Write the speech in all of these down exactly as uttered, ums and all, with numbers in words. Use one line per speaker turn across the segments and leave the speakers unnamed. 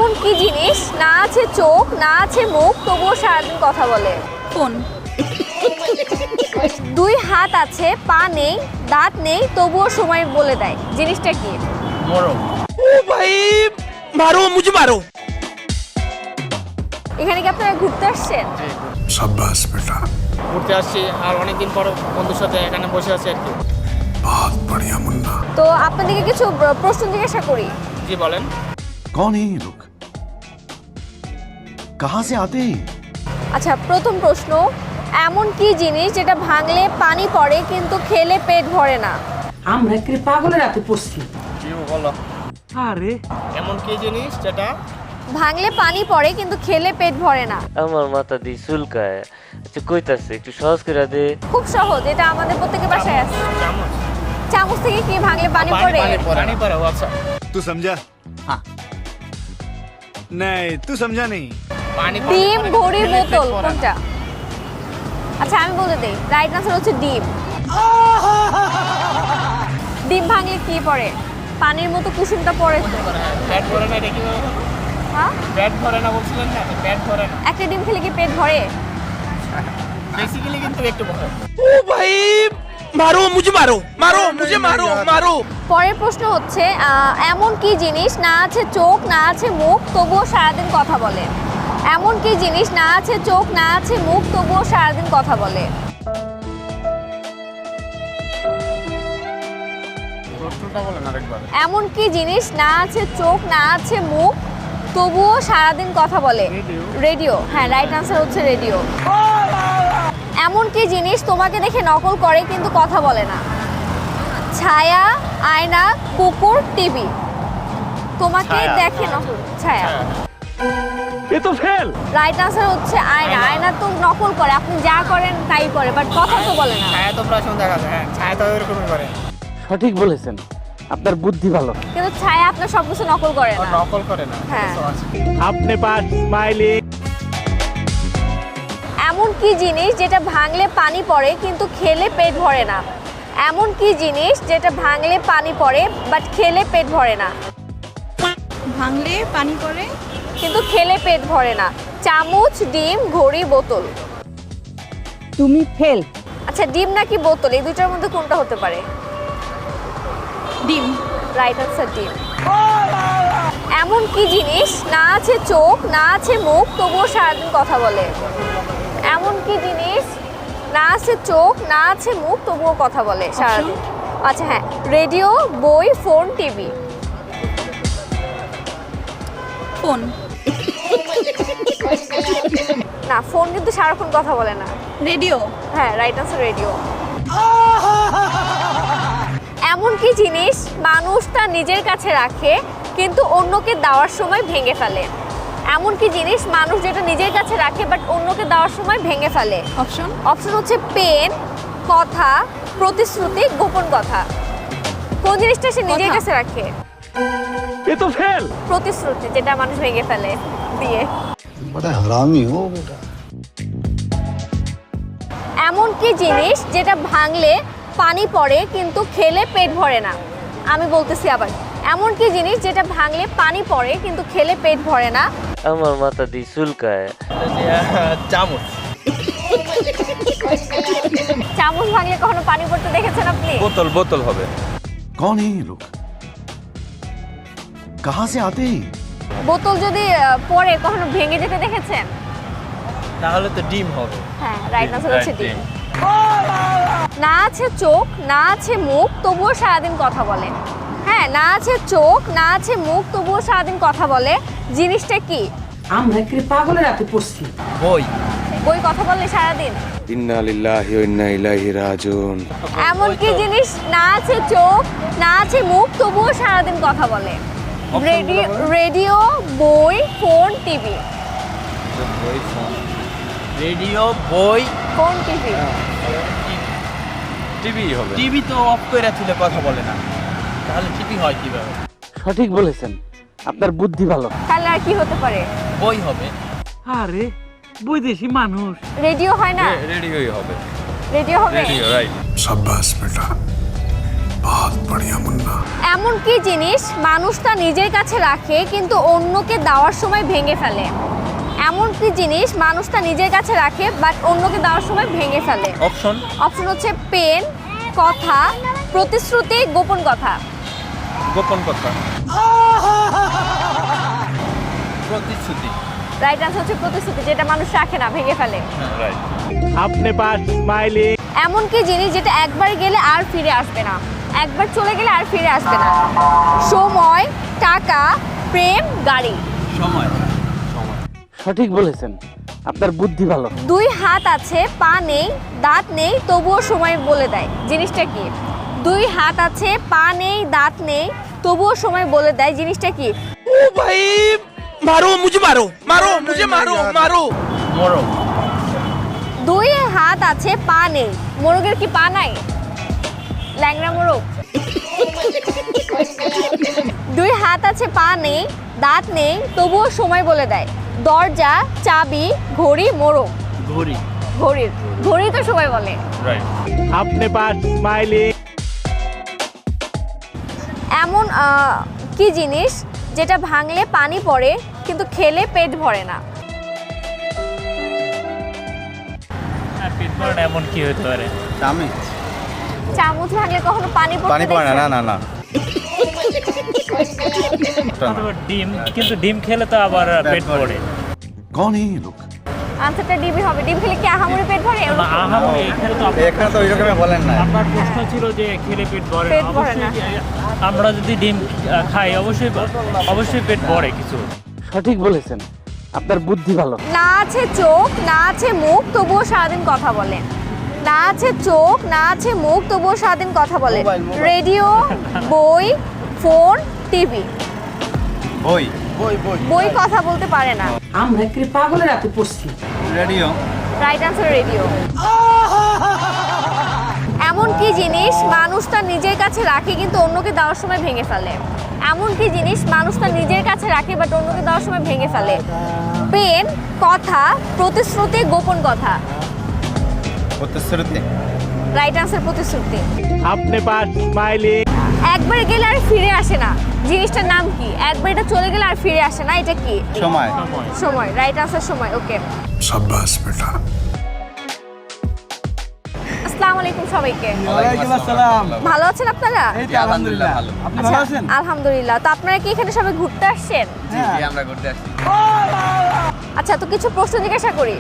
এমন কি জিনিস না আছে চোখ না আছে মুখ তবুও সারাদিন কথা বলে?
ফোন।
দুই হাত আছে, পা নেই, দাঁত নেই, তবুও সময় বলে দেয়, জিনিসটা কি?
মরম।
ও ভাই মারো মুঝে মারো।
এখানে কি আপনারা ঘুরতে আসছেন?
शाबाश बेटा,
ঘুরতে আসছি আর অনেকদিন পর বন্ধুর সাথে এখানে বসে আছি আর কি।
बहुत बढ़िया मुन्ना।
তো আপনাদেরকে কিছু প্রশ্ন জিজ্ঞাসা করি।
জি বলেন।
कौन है ये लोग? कहाँ से आते हैं?
আচ্ছা, প্রথম প্রশ্ন, এমন কি জিনিস যেটা ভাঙলে পানি পড়ে কিন্তু খেলে পেট ভরে না?
আমরা কি পাগলের হাতে পড়ছি?
কি বলো?
আরে
এমন কি জিনিস যেটা
ভাঙলে পানি পড়ে কিন্তু খেলে পেট ভরে না?
আমার মাথা দিয়ে চুলকায়। আচ্ছা কইতাছে একটু সহজ করে দে।
খুব সহজ, এটা আমাদের প্রত্যেকের বাসায় আছে।
চামচ।
চামচ থেকে কি ভাঙলে পানি পড়ে?
পানি পড়ে। পানি পড়ে, ও আচ্ছা।
तू समझा? हाँ। नहीं, तू समझा नहीं।
পানি পড়ে,
ডিম,
পড়ে,
ঘড়ি,
খেলে পেট
বোতল,
ভরে না।
কোনটা? আচ্ছা আমি বলে দেই, রাইট আনসার হচ্ছে ডিম। ডিম ভাঙলে কি পড়ে? পানির মতো কুসুমটা পড়ে তো।
পেট ভরে না, এটা কি বলো?
হ্যাঁ,
পেট ভরে না বলছিলেন না, পেট ভরে না।
একটা ডিম খেলে কি পেট ভরে?
বেসিক্যালি কিন্তু একটু ভরে।
ও ভাই মারো মুঝে মারো মারো মুঝে মারো মারো।
পরের প্রশ্ন হচ্ছে আহ, এমন কি জিনিস না আছে চোখ না আছে মুখ তবুও সারাদিন কথা বলে? এমন কি জিনিস না আছে চোখ না আছে মুখ তবুও সারাদিন কথা বলে?
প্রশ্নটা বলেন আরেকবার।
এমন কি জিনিস না আছে চোখ না আছে মুখ তবুও সারাদিন কথা বলে? রেডিও। হ্যাঁ, রাইট আনসার হচ্ছে রেডিও। এমন কি জিনিস তোমাকে দেখে নকল করে কিন্তু কথা বলে না? ছায়া, আয়না, কুকুর, টিভি। তোমাকে
ছায়া।
দেখে নকল ছায়া।
এ তো ফেল।
রাইট আনসার হচ্ছে আয়না। আয়না তো নকল করে, আপনি যা করেন তাই করে, বাট কথা তো বলে না।
ছায়া তো প্রায় সময় দেখা যায়, হ্যাঁ ছায়া তো এরকমই করে।
সঠিক বলেছেন, আপনার বুদ্ধি ভালো।
কিন্তু ছায়া আপনার সবকিছু নকল করে
ও
না।
নকল করে না।
হ্যাঁ।
So আছে।
আপনি পাস স্মাইলিং।
এমন কি জিনিস যেটা ভাঙলে পানি পড়ে কিন্তু খেলে পেট ভরে না? এমন কি জিনিস যেটা ভাঙলে পানি পড়ে বাট খেলে পেট ভরে না?
ভাঙলে পানি পড়ে।
কিন্তু খেলে পেট ভরে না। চামচ, ডিম, ঘড়ি, বোতল।
তুমি ফেল।
আচ্ছা, ডিম নাকি বোতল, এই দুইটার মধ্যে কোনটা হতে পারে?
ডিম।
রাইট আনসার ডিম। এমন কি জিনিস না আছে চোখ না আছে মুখ তবুও সারাদিন কথা বলে? এমন কি জিনিস না আছে চোখ না আছে মুখ তবুও কথা বলে সারাদিন? আচ্ছা হ্যাঁ, রেডিও, বই, ফোন, টিভি।
ফোন।
না, ফোন কিন্তু সারাক্ষণ কথা বলে না।
রেডিও।
হ্যাঁ, রাইট আনসার রেডিও। এমন কি জিনিস মানুষ তার নিজের কাছে রাখে কিন্তু অন্যকে দেওয়ার সময় ভেঙে ফেলে? এমন কি জিনিস মানুষ যেটা নিজের কাছে রাখে বাট অন্যকে দেওয়ার সময় ভেঙে ফেলে?
অপশন।
অপশন হচ্ছে পেন, কথা, প্রতিশ্রুতি, গোপন কথা। কোন জিনিসটা সে নিজের
কথা।
কাছে রাখে?
এ তো ফেল।
প্রতিশ্রুতি, যেটা মানুষ ভেঙে ফেলে দিয়ে।
बड़ा हरामी हो बेटा।
এমন কি জিনিস যেটা ভাঙলে পানি পড়ে কিন্তু খেলে পেট ভরে না? আমি বলতেছি আবার, এমন কি জিনিস যেটা ভাঙলে পানি পড়ে কিন্তু খেলে পেট ভরে না?
আমার মাথা দিয়ে চুলকায়।
চামচ।
চামচ ভাঙলে কখনো পানি পড়তে দেখেছেন আপনি?
बोतल बोतल হবে।
कौन है ये लोग? कहाँ से आते हैं?
বোতল যদি আহ, পড়ে কখনো ভেঙে যেতে দেখেছেন?
তাহলে তো ডিম হবে।
হ্যাঁ, রাইট আনসার হচ্ছে ডিম। না আছে চোখ না আছে মুখ তবুও সারাদিন কথা বলে। হ্যাঁ, না আছে চোখ না আছে মুখ তবুও সারাদিন কথা বলে, জিনিসটা কি?
আমরা কি পাগলের হাতে পড়ছি?
বই।
বই কথা বললে সারাদিন?
इन्ना लिल्लाहि व इन्ना इलैहि राजिऊन।
এমন কি জিনিস না আছে চোখ না আছে মুখ তবুও সারাদিন কথা বলে? রেডিও, রেডিও, বই, ফোন, টিভি।
বই, ফোন। রেডিও, বই,
ফোন, টিভি।
টিভি হবে।
টিভি তো অফ করে তুলে কথা বলে না, তাহলে টিভি হয় কিভাবে?
সঠিক বলেছেন, আপনার বুদ্ধি ভালো।
তাহলে আর কি হতে পারে?
বই হবে।
আরে বৈদেশি মানুষ।
রেডিও হয় না?
রেডিওই হবে।
রেডিও হবে?
Radio right.
शाबाश बेटा, बहुत बढ़िया मुन्ना।
এমন কি জিনিস মানুষ তা নিজের কাছে রাখে কিন্তু অন্যকে দেওয়ার সময় ভেঙে ফেলে? এমন কি জিনিস মানুষ তা নিজের কাছে রাখে বাট অন্যকে দেওয়ার সময় ভেঙে ফেলে?
অপশন
অপশন হচ্ছে পেন, কথা, প্রতিশ্রুতি, গোপন কথা।
গোপন কথা। প্রতিশ্রুতি।
রাইট আনসার হচ্ছে প্রতিশ্রুতি, যেটা মানুষ রাখে না, ভেঙে ফেলে।
রাইট।
अपने पास स्माइलिंग
এমন কি জিনিস যেটা একবার গেলে আর ফিরে আসবে না, একবার চলে গেলে আর ফিরে আসবে না? সময়, টাকা, প্রেম, গাড়ি।
সময়।
সঠিক বলেছেন, আপনার বুদ্ধি ভালো।
দুই হাত আছে, পা নেই, দাঁত নেই, তবুও সময় বলে দেয়, জিনিসটা কি? দুই হাত আছে, পা নেই, দাঁত নেই, তবুও সময় বলে দেয়, জিনিসটা কি?
ओ भाई मारो मुझे मारो मारो मुझे मारो मारो
মোরগ।
দুই হাত আছে, পা নেই। মোরগের কি পা নাই? ল্যাংড়া মোরগ। দুই হাত আছে, পা নেই, দাঁত নেই, তবুও সময় বলে দেয়। দরজা, চাবি, ঘড়ি, মোরগ।
ঘড়ি।
ঘড়ির ঘড়ি তো সময় বলে।
রাইট।
अपने पास स्माइलिंग
এমন আহ, কি জিনিস যেটা ভাঙলে পানি পড়ে কিন্তু খেলে পেট ভরে না?
পেট ভরে না এমন কি হতে পারে?
চামচ।
চামচ ভাঙলে কখনো পানি পড়ে?
পানি পড়ে না, না না না।
অথবা ডিম, কিন্তু ডিম খেলে তো আবার পেট ভরে।
कौन है ये लोग?
আনসারটা ডিবি হবে। ডিম খেলে কি আহামরি পেট ভরে?
না, আহামরি এখানে তো আপনার-
এখানে তো ওই রকমই বলেন না।
আপনার প্রশ্ন ছিল যে খেলে পেট ভরে না।
পেট ভরে না।
অবশ্যই আমরা যদি ডিম আহ, খাই অবশ্যই অবশ্যই পেট ভরে কিছু।
সঠিক বলেছেন, আপনার বুদ্ধি ভালো।
না আছে চোখ, না আছে মুখ, তবুও সারাদিন কথা বলে। না আছে চোখ, না আছে মুখ, তবুও সারাদিন কথা বলে।
Mobile, mobile.
রেডিও, বই, ফোন, টিভি।
বই। বই বই।
বই কথা বলতে পারে না।
আমরা কি পাগলের হাতে পড়ছি?
রেডিও।
Right answer radio. এমন কি জিনিস মানুষ তার নিজের কাছে রাখে কিন্তু অন্যকে দেওয়ার সময় ভেঙে ফেলে? এমন কি জিনিস মানুষ তার নিজের কাছে রাখে বাট অন্যকে দেওয়ার সময় ভেঙে ফেলে? পেন, কথা, প্রতিশ্রুতি, গোপন কথা।
প্রতিশ্রুতি।
রাইট আনসার প্রতিশ্রুতি।
अपने पास स्माइलिंग
একবার গেলে আর ফিরে আসে না, জিনিসটার নাম কি? একবার এটা চলে গেলে আর ফিরে আসে না, এটা কি?
সময়।
সময়। রাইট আনসার সময়। ওকে,
शाबाश बेटा।
আসসালামু আলাইকুম সবাইকে।
ওয়ালাইকুম আসসালাম।
ভালো আছেন আপনারা?
এই তো আলহামদুলিল্লাহ ভালো। আপনি
আচ্ছা, আলহামদুলিল্লাহ। তো আপনারা কি এখানে সবাই ঘুরতে আসছেন?
জি জি, আমরা ঘুরতে আসছি।
আচ্ছা, তো কিছু প্রশ্ন জিজ্ঞাসা করি।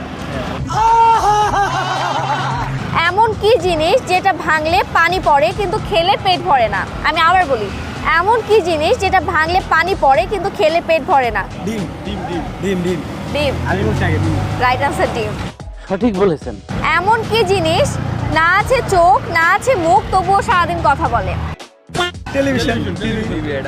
এমন কি জিনিস যেটা ভাঙলে পানি পড়ে কিন্তু খেলে পেট ভরে না? আমি আবার বলি, এমন কি জিনিস যেটা ভাঙলে পানি পড়ে কিন্তু খেলে পেট ভরে না?
ডিম ডিম ডিম ডিম ডিম।
ডিম।
আমি বলছি আগে ডিম।
রাইট আনসার ডিম।
সঠিক বলেছেন।
এমন কি জিনিস না আছে চোখ, না আছে মুখ, তবুও সারাদিন কথা বলে?
টেলিভিশন। টিভি।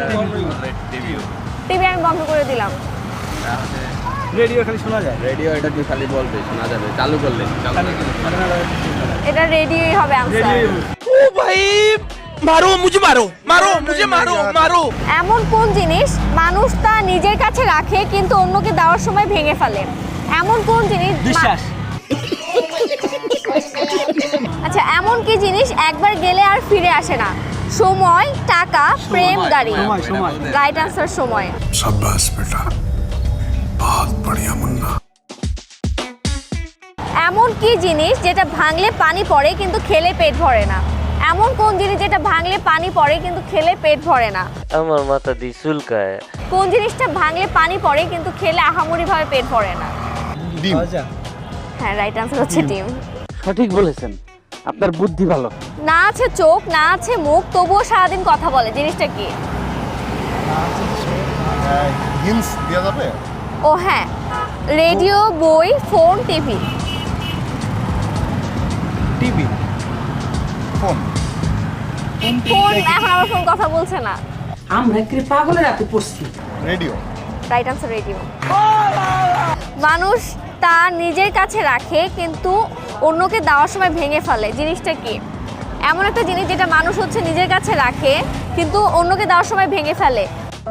টিভি আমি বন্ধ করে দিলাম।
রেডিও খালি শোনা যায়। রেডিও এটা কি খালি বলবে শোনা যাবে, চালু করলে।
এটা রেডিওই হবে আনসার।
ओ भाई मारो मुझे मारो मारो मुझे मारो मारो
এমন কোন জিনিস মানুষ তা নিজের কাছে রাখে কিন্তু অন্যকে দেওয়ার সময় ভেঙে ফেলে? এমন কোন জিনিস?
বিশ্বাস।
আচ্ছা, এমন কি জিনিস একবার গেলে আর ফিরে আসে না? সময়, টাকা, প্রেম, গাড়ি।
সময় সময়।
রাইট আনসার সময়।
शाबाश बेटा, बहुत बढ़िया मुन्ना।
এমন কি জিনিস যেটা ভাঙলে পানি পড়ে কিন্তু খেলে পেট ভরে না? এমন কোন জিনিস যেটা ভাঙলে পানি পড়ে কিন্তু খেলে পেট ভরে না?
আমার মাথা দিয়ে চুলকায়।
কোন জিনিসটা ভাঙলে পানি পড়ে কিন্তু খেলে আহামরি ভাবে পেট ভরে না?
ডিম।
হ্যাঁ, রাইট আনসার হচ্ছে ডিম।
সঠিক বলেছেন, আপনার বুদ্ধি ভালো।
না আছে চোখ, না আছে মুখ, তবুও সারাদিন কথা বলে, জিনিসটা কি?
हिंट्स दिया जाবে?
ও হ্যাঁ, রেডিও, বই, phone, TV.
TV. Phone.
Phone, এখন আমার ফোন কথা বলছে না।
আমরা কি পাগলের হাতে পড়ছি?
রেডিও।
Right answer radio. মানুষ তা নিজের কাছে রাখে কিন্তু অন্যকে দেওয়ার সময় ভেঙে ফেলে, জিনিসটা কি? এমন একটা জিনিস যেটা মানুষ হচ্ছে নিজের কাছে রাখে কিন্তু অন্যকে দেওয়ার সময় ভেঙে ফেলে।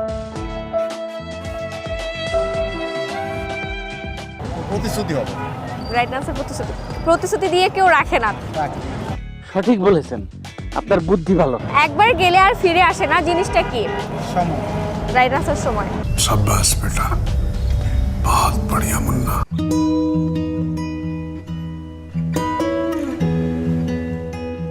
প্রতিশ্রুতি হবে।
রাইট আনসার প্রতিশ্রুতি। প্রতিশ্রুতি দিয়ে কেউ রাখে না।
সঠিক বলেছেন,
আপনার বুদ্ধি ভালো।
একবার গেলে আর ফিরে আসে না, জিনিসটা কি?
সময়।
রাইট আনসার সময়।
शाबाश बेटा